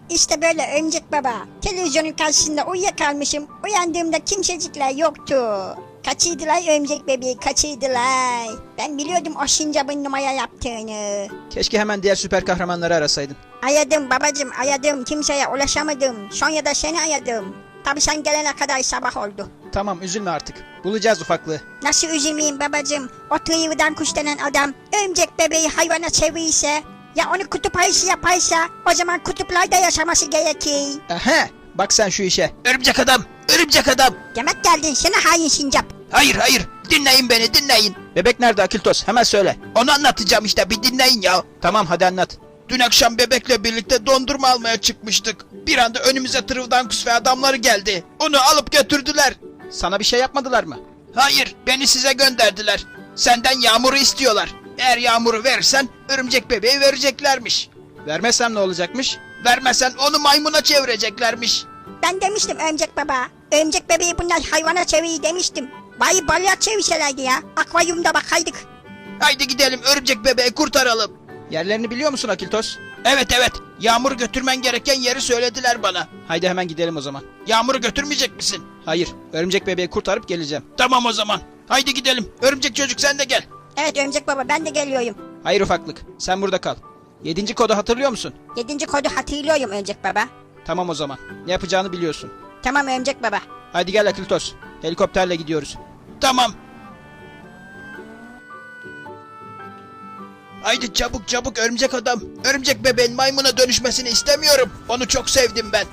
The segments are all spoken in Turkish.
İşte böyle Örümcek Baba. Televizyonun karşısında uyuyakalmışım. Uyandığımda kimsecikler yoktu. Kaçıydılar Örümcek bebeği, kaçıydılar. Ben biliyordum o sincapın numara yaptığını. Keşke hemen diğer süper kahramanları arasaydın. Aradım babacım, aradım. Kimseye ulaşamadım. Sonra da seni aradım. Tabii sen gelene kadar sabah oldu. Tamam, üzülme artık. Bulacağız ufaklığı. Nasıl üzülmeyeyim babacım? O tıyıvıdan kuş denen adam örümcek bebeği hayvana çevirirse, ya onu kutup ayısı yaparsa, o zaman kutuplarda yaşaması gerekir. Aha, bak sen şu işe. Örümcek adam, örümcek adam. Demek geldin sana hain sincap. Hayır hayır, dinleyin beni, dinleyin. Bebek nerede Akiltos? Hemen söyle. Onu anlatacağım işte, bir dinleyin ya. Tamam, hadi anlat. Dün akşam bebekle birlikte dondurma almaya çıkmıştık. Bir anda önümüze Trivdankus ve adamları geldi. Onu alıp götürdüler. Sana bir şey yapmadılar mı? Hayır, beni size gönderdiler. Senden Yağmur'u istiyorlar. Eğer Yağmur'u verirsen örümcek bebeği vereceklermiş. Vermezsem ne olacakmış? Vermezsen onu maymuna çevireceklermiş. Ben demiştim örümcek baba. Örümcek bebeği bunlar hayvana çevirir demiştim. Bari balığa çevirselerdi ya. Akvaryumda bakaydık. Haydi gidelim, örümcek bebeği kurtaralım. Yerlerini biliyor musun Akiltos? Evet evet, Yağmur'u götürmen gereken yeri söylediler bana. Haydi hemen gidelim o zaman. Yağmur'u götürmeyecek misin? Hayır, örümcek bebeği kurtarıp geleceğim. Tamam o zaman. Haydi gidelim. Örümcek çocuk sen de gel. Evet örümcek baba, ben de geliyorum. Hayır ufaklık, sen burada kal. 7. kodu hatırlıyor musun? 7. kodu hatırlıyorum örümcek baba. Tamam o zaman. Ne yapacağını biliyorsun. Tamam örümcek baba. Haydi gel Akiltos. Helikopterle gidiyoruz. Tamam. Haydi çabuk çabuk örümcek adam. Örümcek bebeğin maymuna dönüşmesini istemiyorum. Onu çok sevdim ben.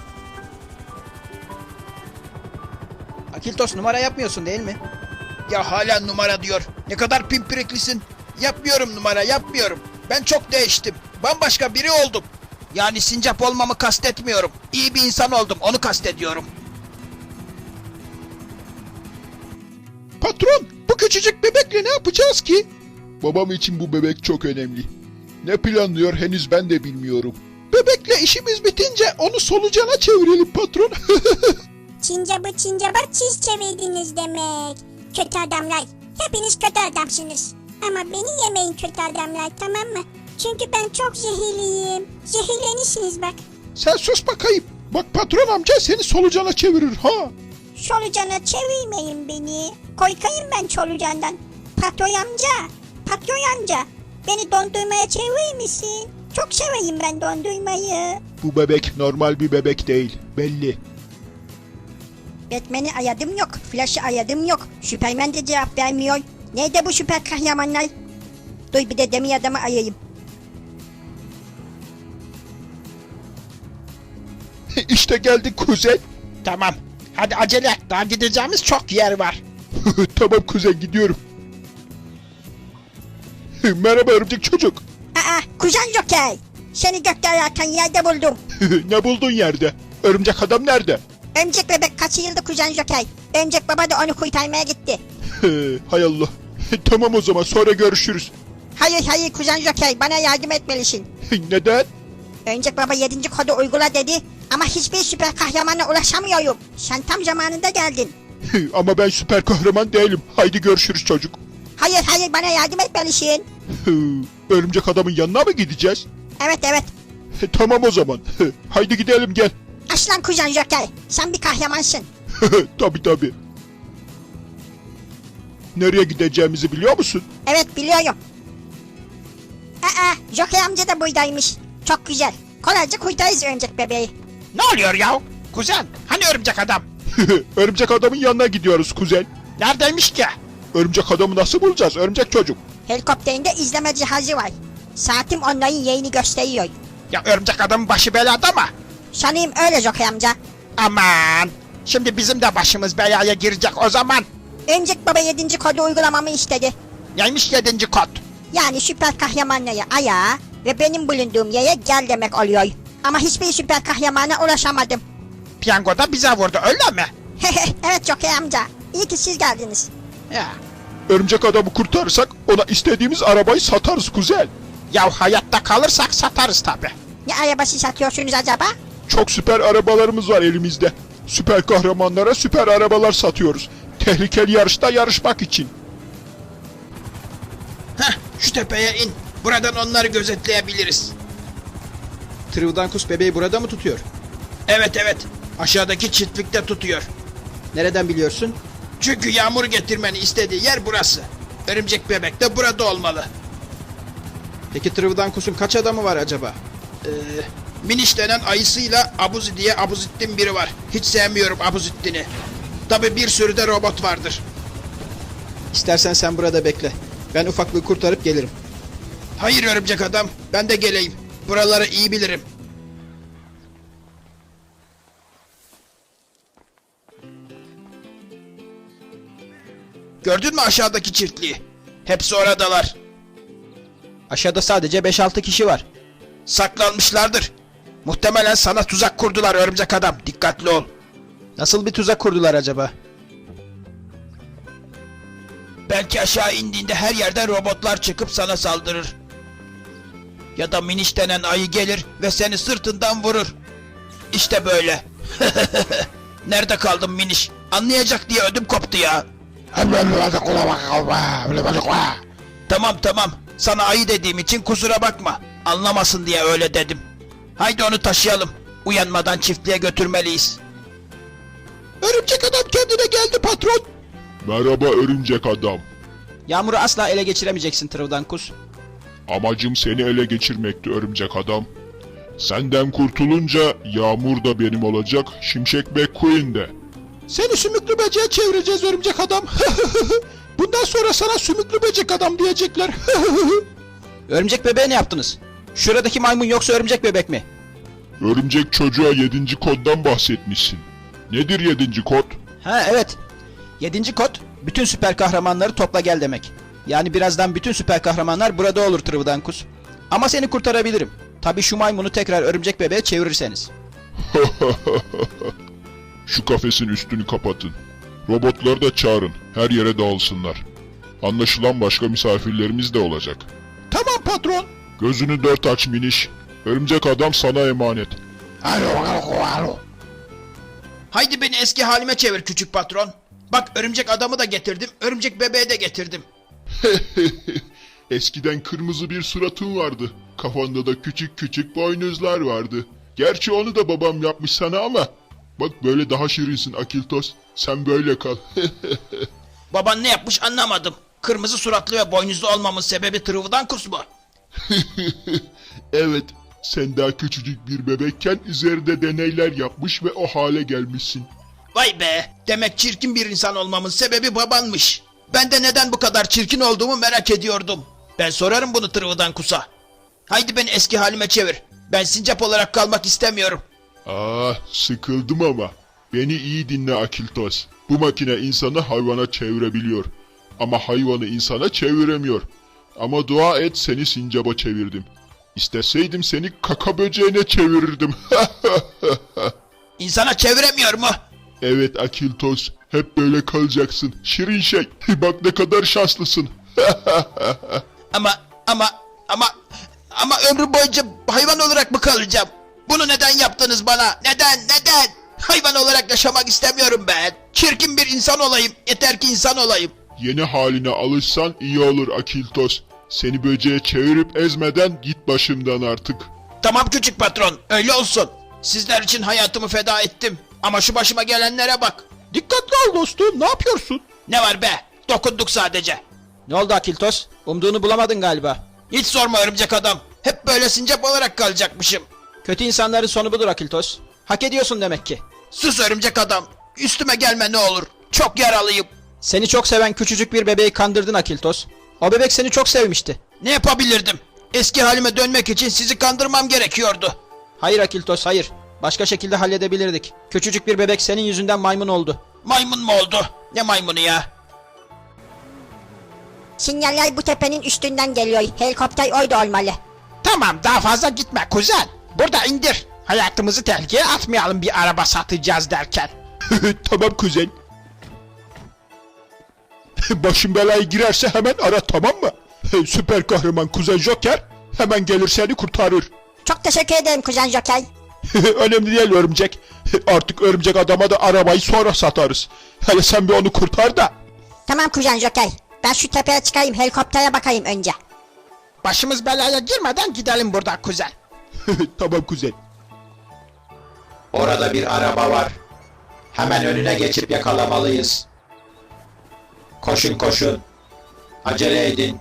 Akiltos, numara yapmıyorsun değil mi? Ya hala numara diyor. Ne kadar pimpiriklisin. Yapmıyorum numara, yapmıyorum. Ben çok değiştim. Bambaşka biri oldum. Yani sincap olmamı kastetmiyorum. İyi bir insan oldum, onu kastediyorum. Patron, bu küçücük bebekle ne yapacağız ki? Babam için bu bebek çok önemli. Ne planlıyor henüz ben de bilmiyorum. Bebekle işimiz bitince onu solucana çevirelim patron. Sincap'a siz çevirdiniz demek. Kötü adamlar. Hepiniz kötü adamsınız. Ama beni yemeyin kötü adamlar, tamam mı? Çünkü ben çok zehirliyim. Zehirlenirsiniz bak. Sen sus bakayım. Bak patron amca seni solucana çevirir ha. Solucana çevirmeyin beni. Korkayım ben solucandan. Patron amca. Beni dondurmaya çevirir misin? Çok seveyim ben dondurmayı. Bu bebek normal bir bebek değil belli. Batman'i ayadım yok. Flash'ı ayadım yok. Superman de cevap vermiyor. Nerede bu süper kahramanlar? Dur bir de demir adamı ayayım. İşte geldik kuzen. Tamam. Hadi acele et. Daha gideceğimiz çok yer var. Tamam kuzen gidiyorum. Merhaba örümcek çocuk. Kuzen Joker. Seni gökte ararken yerde buldum. Ne buldun yerde? Örümcek adam nerede? Örümcek bebek kaçırıldı kuzen Joker. Örümcek baba da onu kurtarmaya gitti. Hay Allah. Tamam o zaman sonra görüşürüz. Hayır kuzen Joker, bana yardım etmelisin. Neden? Örümcek baba 7. kodu uygula dedi. Ama hiçbir süper kahramana ulaşamıyorum. Sen tam zamanında geldin. Ama ben süper kahraman değilim. Haydi görüşürüz çocuk. Hayır bana yardım etmelisin. Örümcek adamın yanına mı gideceğiz? Evet. Tamam o zaman. Haydi gidelim gel. Aslan kuzen Joker, sen bir kahramansın. Tabii. Nereye gideceğimizi biliyor musun? Evet biliyorum. Joker amca da buradaymış. Çok güzel. Kolayca kurtarırız örümcek bebeği. Ne oluyor ya? Kuzen, hani örümcek adam? Örümcek adamın yanına gidiyoruz kuzen. Neredeymiş ki? Örümcek adamı nasıl bulacağız örümcek çocuk? Helikopterinde izleme cihazı var. Saatim onların yerini gösteriyor. Ya örümcek adamın başı belada mı? Sanayım öyle Joker amca. Aman! Şimdi bizim de başımız belaya girecek o zaman. Örümcek baba 7. kodu uygulamamı istedi. Neymiş 7. kod? Yani süper kahramanları ayağa ve benim bulunduğum yere gel demek oluyor. Ama hiçbir süper kahramana ulaşamadım. Piyango da bize vurdu öyle mi? Evet Joker amca. İyi ki siz geldiniz. Ya. Örümcek adamı kurtarırsak ona istediğimiz arabayı satarız kuzen. Ya hayatta kalırsak satarız tabi. Ne arabası satıyorsunuz acaba? Çok süper arabalarımız var elimizde. Süper kahramanlara süper arabalar satıyoruz. Tehlikeli yarışta yarışmak için. Heh, şu tepeye in. Buradan onları gözetleyebiliriz. Trivdankus bebeği burada mı tutuyor? Evet evet. Aşağıdaki çiftlikte tutuyor. Nereden biliyorsun? Çünkü Yağmur getirmeni istediği yer burası. Örümcek bebek de burada olmalı. Peki Trivdankus'un kaç adamı var acaba? Miniş denen ayısıyla Abuzi diye Abuzittin biri var. Hiç sevmiyorum Abuzittin'i. Tabi bir sürü de robot vardır. İstersen sen burada bekle. Ben ufaklığı kurtarıp gelirim. Hayır örümcek adam, ben de geleyim. Buraları iyi bilirim. Gördün mü aşağıdaki çiftliği? Hepsi oradalar. Aşağıda sadece 5-6 kişi var. Saklanmışlardır. Muhtemelen sana tuzak kurdular örümcek adam. Dikkatli ol. Nasıl bir tuzak kurdular acaba? Belki aşağı indiğinde her yerden robotlar çıkıp sana saldırır. Ya da Miniş denen ayı gelir ve seni sırtından vurur. İşte böyle. Nerede kaldın Miniş? Anlayacak diye ödüm koptu ya. Tamam. Sana ayı dediğim için kusura bakma. Anlamasın diye öyle dedim. Haydi onu taşıyalım. Uyanmadan çiftliğe götürmeliyiz. Örümcek adam kendine geldi patron. Merhaba örümcek adam. Yağmur'u asla ele geçiremeyeceksin Trivdankus. Amacım seni ele geçirmekti örümcek adam. Senden kurtulunca Yağmur da benim olacak, Şimşek McQueen de. Seni sümüklü böceğe çevireceğiz örümcek adam. Bundan sonra sana sümüklü böcek adam diyecekler. Örümcek bebeğe ne yaptınız? Şuradaki maymun yoksa örümcek bebek mi? Örümcek çocuğa 7. koddan bahsetmişsin. Nedir 7. kod? Ha evet. 7. kod bütün süper kahramanları topla gel demek. Yani birazdan bütün süper kahramanlar burada olur Trivdankus. Ama seni kurtarabilirim. Tabii şu maymunu tekrar örümcek bebeğe çevirirseniz. Şu kafesin üstünü kapatın. Robotları da çağırın. Her yere dağılsınlar. Anlaşılan başka misafirlerimiz de olacak. Tamam patron. Gözünü dört aç Miniş. Örümcek adam sana emanet. Haydi beni eski halime çevir küçük patron. Bak örümcek adamı da getirdim, örümcek bebeği de getirdim. Eskiden kırmızı bir suratın vardı. Kafanda da küçük küçük boynuzlar vardı. Gerçi onu da babam yapmış sana ama. Bak böyle daha şirinsin Akiltos. Sen böyle kal. Baban ne yapmış anlamadım. Kırmızı suratlı ve boynuzlu olmamın sebebi Trivdankus mu? Evet. Sen daha küçücük bir bebekken üzerinde deneyler yapmış ve o hale gelmişsin. Vay be, demek çirkin bir insan olmamın sebebi babanmış. Ben de neden bu kadar çirkin olduğumu merak ediyordum. Ben sorarım bunu Trivdankus'a. Haydi beni eski halime çevir. Ben sincap olarak kalmak istemiyorum. Sıkıldım ama. Beni iyi dinle Akiltos. Bu makine insanı hayvana çevirebiliyor. Ama hayvanı insana çeviremiyor. Ama dua et seni sincaba çevirdim. İsteseydim seni kaka böceğine çevirirdim. İnsana çeviremiyor mu? Evet Akiltos. Hep böyle kalacaksın. Şirin şey. Bak ne kadar şanslısın. Ama ömrüm boyunca hayvan olarak mı kalacağım? Bunu neden yaptınız bana? Neden? Hayvan olarak yaşamak istemiyorum ben. Çirkin bir insan olayım. Yeter ki insan olayım. Yeni haline alışsan iyi olur Akiltos. Seni böceğe çevirip ezmeden git başımdan artık. Tamam küçük patron, öyle olsun. Sizler için hayatımı feda ettim. Ama şu başıma gelenlere bak. Dikkatli ol dostum, ne yapıyorsun? Ne var be? Dokunduk sadece. Ne oldu Akiltos? Umduğunu bulamadın galiba. Hiç sorma örümcek adam. Hep böyle sincap olarak kalacakmışım. Kötü insanların sonu budur Akiltos. Hak ediyorsun demek ki. Sus örümcek adam. Üstüme gelme ne olur. Çok yaralıyım. Seni çok seven küçücük bir bebeği kandırdın Akiltos. O bebek seni çok sevmişti. Ne yapabilirdim? Eski halime dönmek için sizi kandırmam gerekiyordu. Hayır Akiltos, hayır. Başka şekilde halledebilirdik. Küçücük bir bebek senin yüzünden maymun oldu. Maymun mu oldu? Ne maymunu ya? Sinyaller bu tepenin üstünden geliyor. Helikopter orada olmalı. Tamam daha fazla gitme kuzen. Burada indir. Hayatımızı tehlikeye atmayalım bir araba satacağız derken. Tamam kuzen. Başın belaya girerse hemen ara, tamam mı? Süper kahraman Kuzen Joker hemen gelir seni kurtarır. Çok teşekkür ederim Kuzen Joker. Önemli değil örümcek. Artık örümcek adama da arabayı sonra satarız. Hele sen bir onu kurtar da. Tamam Kuzen Joker. Ben şu tepeye çıkayım, helikoptere bakayım önce. Başımız belaya girmeden gidelim buradan kuzen. Tamam kuzen. Orada bir araba var. Hemen önüne geçip yakalamalıyız. Koşun koşun. Acele edin.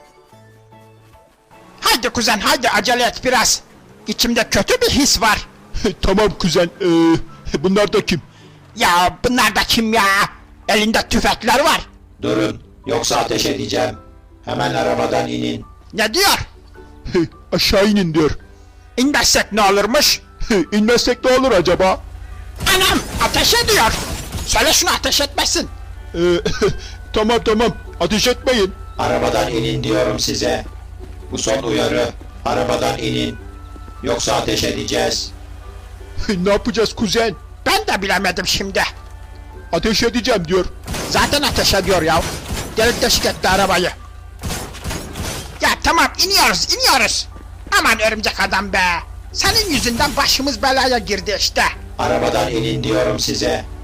Haydi kuzen haydi acele et biraz. İçimde kötü bir his var. Tamam kuzen. Bunlar da kim? Ya bunlar da kim ya? Elinde tüfekler var. Durun, yoksa ateş edeceğim. Hemen arabadan inin. Ne diyor? Aşağı inin diyor. İnmezsek ne olurmuş? İnmezsek ne olur acaba? Anam ateş ediyor. Söyle şunu ateş etmesin. Tamam. Ateş etmeyin. Arabadan inin diyorum size. Bu son uyarı. Arabadan inin. Yoksa ateş edeceğiz. Ne yapacağız kuzen? Ben de bilemedim şimdi. Ateş edeceğim diyor. Zaten ateş ediyor ya. Delik deşik etti arabayı. Ya tamam iniyoruz. Aman örümcek adam be. Senin yüzünden başımız belaya girdi işte. Arabadan inin diyorum size.